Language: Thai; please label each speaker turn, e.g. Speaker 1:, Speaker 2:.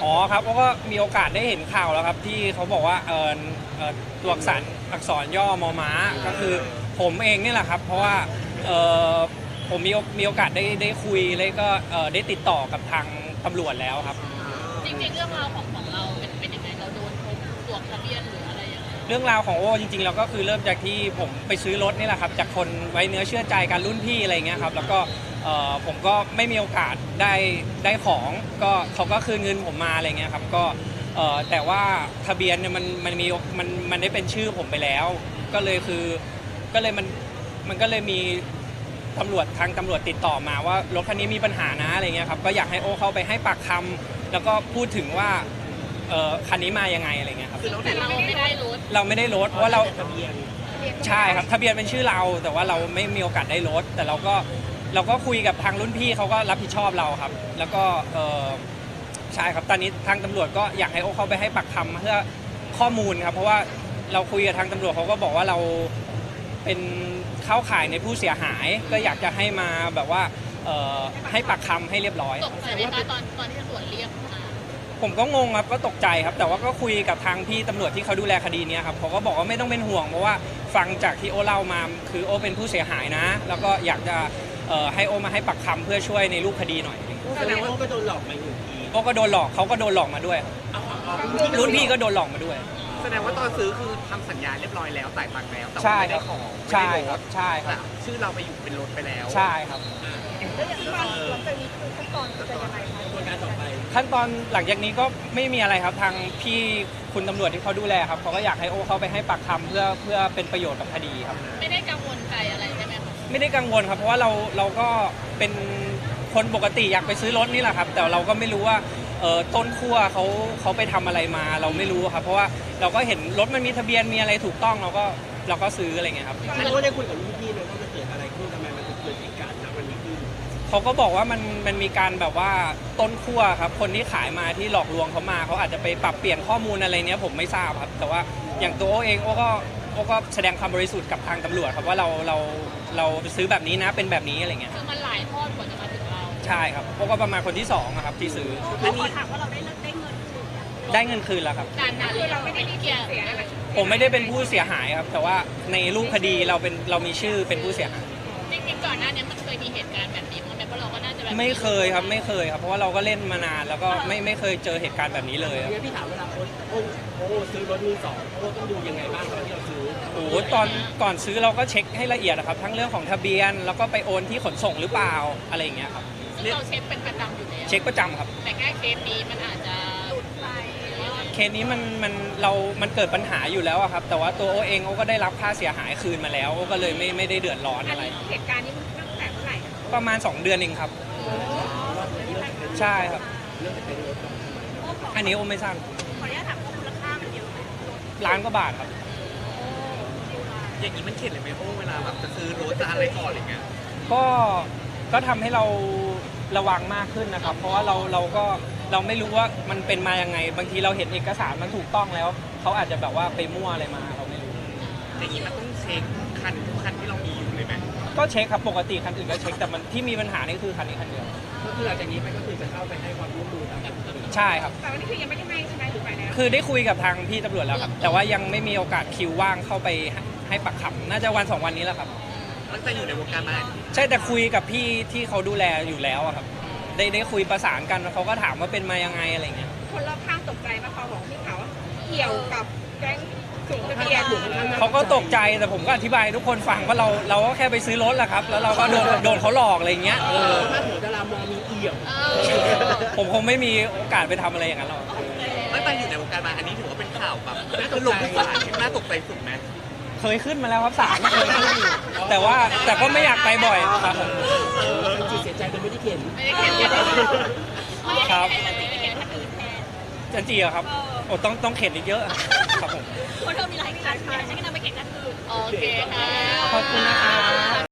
Speaker 1: อ๋อครับก็มีโอกาสได้เห็นข่าวแล้วครับที่เขาบอกว่าตัวอักษรย่อมอม้าก็คือผมเองนี่แหละครับเพราะว่าเอ่อผมมีโอกาสได้คุยแล้วก็ได้ติดต่อกับทางตำรวจแล้วครับ
Speaker 2: จริงๆเรื่องราวของเราเป็นยังไงเราโดนพบตัวทะเบียนหรืออะไรยังไง
Speaker 1: เรื่องราวของโอ้จริงๆแล้วก็คือเริ่มจากที่ผมไปซื้อรถนี่แหละครับจากคนไว้เนื้อเชื่อใจกันรุ่นพี่อะไรเงี้ยครับแล้วก็ผมก็ไม่มีโอกาสได้ของก็เขาก็คืนเงินผมมาอะไรเงี้ยครับก็แต่ว่าทะเบียนเนี่ยมันได้เป็นชื่อผมไปแล้วก็เลยคือก็เลยมันก็เลยมีทางตำรวจติดต่อมาว่ารถคันนี้มีปัญหานะอะไรเงี้ยครับก็อยากให้โอ้เข้าไปให้ปากคำแล้วก็พูดถึงว่าคันนี้มายังไงอะไรเงี้ยครับ
Speaker 2: แต่เราไม่ได้รถ
Speaker 1: เราไม่ได้รถเพราะว่าเรา
Speaker 3: ทะเบียน
Speaker 1: ใช่ครับทะเบียนเป็นชื่อเราแต่ว่าเราไม่มีโอกาสได้รถแต่เราก็คุยกับทางรุ่นพี่เขาก็รับผิดชอบเราครับแล้วก็ใช่ครับตอนนี้ทางตำรวจก็อยากให้โอ้เข้าไปให้ปากคำเพื่อข้อมูลครับเพราะว่าเราคุยกับทางตำรวจเขาก็บอกว่าเราเป็นเข้าข่ายในผู้เสียหายก็อยากจะให้มาแบบว่าให้ปากคำให้เรียบร้อย
Speaker 2: ตกใจไหมคะตอนที่ตำรวจเรียกมา
Speaker 1: ผมก็งงครับก็ตกใจครับแต่ว่าก็คุยกับทางพี่ตำรวจที่เขาดูแลคดีนี้ครับเขาก็บอกว่าไม่ต้องเป็นห่วงเพราะว่าฟังจากที่โอเล่ามาคือโอเป็นผู้เสียหายนะแล้วก็อยากจะให้โอมาให้ปักคำเพื่อช่วยในรูปคดีหน่อย
Speaker 3: แสดงว่าก็โดนหลอกมาอยู่ที
Speaker 1: โอก็โดนหลอกเขาก็โดนหลอกมาด้วยรุ่นพี่ก็โดนหลอกมาด้วย
Speaker 4: แสดงว่าตอนซื้อคือทำสัญญาเรียบร้อยแล้วจ่ายตังค์แล้วแต่
Speaker 1: ใช่
Speaker 4: ว่าไม่
Speaker 1: ครั
Speaker 4: ได้
Speaker 1: บ
Speaker 4: ของ
Speaker 1: ใช่
Speaker 4: ไม่ได้
Speaker 1: ค
Speaker 4: ร
Speaker 1: รับ
Speaker 4: ถ
Speaker 1: ใช่ครับ
Speaker 4: แต่ชื่อเราไปอยู่เป็นรถไปแล้ว
Speaker 1: ใช่ครับ
Speaker 5: แล้วอย่างที่มาหลังจากนี้คือขั้นตอนจะยังไงคะ
Speaker 3: กระบวนการต่อไป
Speaker 1: ขั้นตอนหลังจากนี้ก็ไม่มีอะไรครับทางพี่คุณตำรวจที่เขาดูแลครับเขาก็อยากให้โอเข้าไปให้ปากคำเพื่อเป็นประโยชน์กับคดีครับ
Speaker 2: ไม่ได้กังวลใจอะไรใช่ไหมคะ
Speaker 1: ไม่ได้กังวลครับเพราะว่าเราก็เป็นคนปกติอยากไปซื้อรถนี่แหละครับแต่เราก็ไม่รู้ว่าต้นขั้วเขาไปทำอะไรมาเราไม่รู้ครับเพราะว่าเราก็เห็นรถมันมีทะเบียนมีอะไรถูกต้องเราก็ซื้ออะไรเงี้ยครับ
Speaker 3: อันนี้ก็ได้คุยกับรุ่นพี่เลยว่ามันเกิดอะไรขึ้นทำไมมันถึงเกิดเหตุการณ์ณวันนี้ขึ้น
Speaker 1: เขาก็บอกว่ามันมีการแบบว่าต้นขั้วครับคนที่ขายมาที่หลอกลวงเขามาเขาอาจจะไปปรับเปลี่ยนข้อมูลอะไรเนี้ยผมไม่ทราบครับแต่ว่าอย่างตัวโอเองโอก็แสดงความบริสุทธิ์กับทางตำรวจครับว่าเราซื้อแบบนี้นะเป็นแบบนี้อะไรเงี้ย
Speaker 2: คือมันหลายทอดกว่าจะมาถึงเรา
Speaker 1: ใช่ครับโอก็ประมาณคนที่สองอะครับที่ซื้อ
Speaker 5: เขาขอถามว่าเราได้เงินคืน
Speaker 1: ได้เงินคืนแล้วครับ
Speaker 2: นานๆคือเราไม่ได้เกี่ยว
Speaker 5: เสียอะไร
Speaker 1: ผมไม่ได้เป็นผู้เสียหายครับ แต่ว่าในรูปคดีเรามีชื่อเป็นผู้เสียหาย
Speaker 2: จริงๆก่อนหน้านี้มันเคยมีเหตุการณ์แบบนี้มั้งไหมเพราะเราก็น่าจะแบบ
Speaker 1: ไม่เคยครับไม่เคยครับเพราะว่าเราก็เล่นมานานแล้วก็ไม่เคยเจอเหตุการณ์แบบนี้เลยครับ
Speaker 3: งั้นพี่ถามเวลาโอ้ซื้อรถมือสองโอ้ต้องดูยังไงบ้างตอนที่เราซื้อ
Speaker 1: โอ้โหตอนก่อนซื้อเราก็เช็คให้ละเอียดนะครับทั้งเรื่องของทะเบียนแล้วก็ไปโอนที่ขนส่งหรือเปล่าอะไรอย่างเงี้ยครับ
Speaker 2: ซึ่งเราเช็คเป็นประจำอยู่แล้ว
Speaker 1: เช็คประจำครับ
Speaker 2: แต่แค่เคสนี้มันอาจจะหลุดไป
Speaker 1: เคสนี้มันเกิดปัญหาอยู่แล้วอะครับแต่ว่าตัวโอเองโอก็ได้รับค่าเสียหายคืนมาแล้วโอก็เลยไม่ได้เดือดร้อน
Speaker 5: อัน
Speaker 1: อะไร
Speaker 5: นี้เหตุการณ์นี้มันตั้งแต่เมื่อไหร่คะ
Speaker 1: ประมาณ 2 เดือนเองครับใช่ครับ
Speaker 3: เรื่องจะเป็นรถ
Speaker 1: อันนี้โอไม่ทราบ
Speaker 5: ขออนุญาตถามว่ามูลค่ามันเยอะไหม
Speaker 1: ล้านกว่าบาทครับ
Speaker 4: อย่างนี้มันเข็ดเลยไหมโอ้เวลาแบบจะซื้อรถจะอะไรก่อนอะไรเงี้ย
Speaker 1: ก็ทำให้เราระวังมากขึ้นนะครับ เพราะว่าเราไม่รู้ว่ามันเป็นมายังไง บางทีเราเห็นเอกสารมันถูกต้องแล้วเขาอาจจะแบบว่าไปมั่วอะไรมาเราไม่รู้
Speaker 4: อย่างนี้มันต้องเช็คคันทุกคันที่เรามีอยู่เลยไหม
Speaker 1: ก็เช็คครับปกติคันอื่นก็เช็คแต่มันที่มีปัญหานี่คือคันนี้คันเดียว
Speaker 3: ก็คือหลังจากนี้ไปก็คือจะเข้าไปให้ความร่วมมือกับตำรวจ
Speaker 1: ใช่ครับ
Speaker 5: แต่วันนี้คือยังไม่ได้ให้ใช่ไหมหรือไปแล้ว
Speaker 1: คือได้คุยกับทางพี่ตำรวจแล้วครับ แต่ว่ายังไม่มีโอกาสคิวว่างเข้าไปให้ปักคำน่าจะวัน 2 วันนี้แหละครับ
Speaker 4: ตั้งแต่อยู่ในวงการมา
Speaker 1: ใช่แต่คุยกับพี่ที่เขาดูแลอยู่แล้วอะครับได้คุยประสานกันเขาก็ถามว่าเป็นมายังไงอะไรเงี้ย
Speaker 5: คนรอบข้างตกใจมาพอบอกพี่เขาว่าเกี่ยวกับแก๊งสูงทะเบียน
Speaker 1: เขาก็ตกใจแต่ผมก็อธิบายให้ทุกคนฟังว่าเราก็แค่ไปซื้อรถแหละครับ แล้วเราก็โดนเขาหลอกอะไรเงี้ย
Speaker 3: ถ้าหัวดารามองมีเอี่ยว
Speaker 1: ผมคงไม่มีโอกาสไปทำอะไรอย่างนั้นหรอก
Speaker 4: ตั้งแต่อยู่ในวงการมาอันนี้ถือว่าเป็นข่าวแบบคือลงทุกศาลน่าตกใจสุดไหม
Speaker 1: เคยขึ้นมาแล้วครับศาลเคยขึ้นอยู่แต่ก็ไม่อยากไปบ่อยครับผม
Speaker 3: เป็นจีเสียใจโดยไม่ได้เขียน
Speaker 2: ไม่ได้เขียนเยอะไม่ได้
Speaker 1: ครับ
Speaker 2: ให้มันติดไปเขียนคนอื่นแทน
Speaker 1: จันจีอะครับโอ้ต้องเข็นอีกเยอะครับผม
Speaker 2: คนเธอมีหลายครั้งฉันก็นำไปเขียนคนอื่นโอเคค่ะ
Speaker 1: ขอบคุณนะครับ